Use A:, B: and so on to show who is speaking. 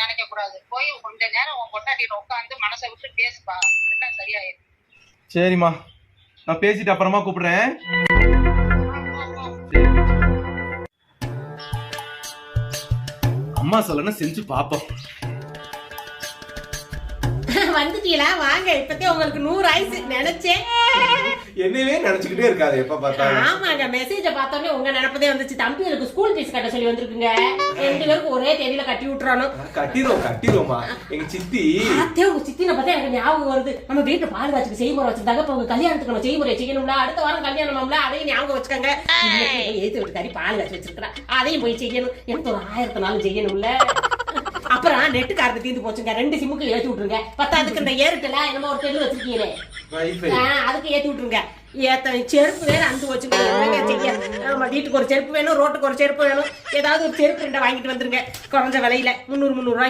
A: நினைக்க கூடாது. போய் கொஞ்ச நேரம் உன் பொண்டாட்டிட்ட உட்காந்து மனசை விட்டு பேசுப்பா, எல்லாம் சரியாயிடும்.
B: சரிம்மா, நான் பேசிட்டு அப்புறமா கூப்பிடுறேன். அம்மா சொல்லணும் செஞ்சு பாப்போம்.
C: வந்துட்டீங்களா? வாங்க, இப்பத்தே உங்களுக்கு 100 ஆயிடுச்சு நினைச்சேன்.
B: என்னவே நினைச்சுக்கிட்டே இருக்காது எப்ப பார்த்தாலும்.
C: ஆமாங்க, மெசேஜ பார்த்தோன்னே உங்க நினைப்பதே வந்துச்சு. தம்பிகளுக்கு ஸ்கூல் ஃபீஸ் கட்ட சொல்லி வந்திருக்குங்க. 2 பேருக்கு ஒரே தேதியில கட்டி விட்டுறணும்.
B: கட்டிடுவோமா. எங்க சித்தி
C: அத்தே உங்க சித்தினை பார்த்தா எனக்கு ஞாபகம் வருது. நம்ம வீட்டுல பால் காய்ச்சிக்கு செய்முறை வச்சிருந்தாங்க. இப்ப உங்க கல்யாணத்துக்கு நம்ம செய்முறை செய்யணும்ல. அடுத்த வாரம் கல்யாணம்ல, அதையும் ஞாபகம் வச்சுக்கோங்க. ஏத்து விட்டுக்காரி பால் காய்ச்சி வச்சிருக்கிறா, அதையும் போய் செய்யணும். எனக்கு ஒரு 1000 நாள் செய்யணும்ல. அப்புறம் நெட்டு கார்டு தீர்ந்து போச்சுங்க. 2 சிம்முக்கு ஏத்தி விட்டுருங்க. அதுக்கு இந்த ஏர்டெல் என்னமோ ஒரு தெரு வச்சிருக்கீங்களே, அதுக்கு ஏத்தி விட்டுருங்க. செருப்பு வேற அந்து வச்சுங்க. நம்ம வீட்டுக்கு ஒரு செருப்பு வேணும், ரோட்டுக்கு ஒரு செருப்பு வேணும். ஏதாவது ஒரு செருப்பு 2 வாங்கிட்டு வந்துருங்க. குறைஞ்ச விலையில 300 ரூபாய்.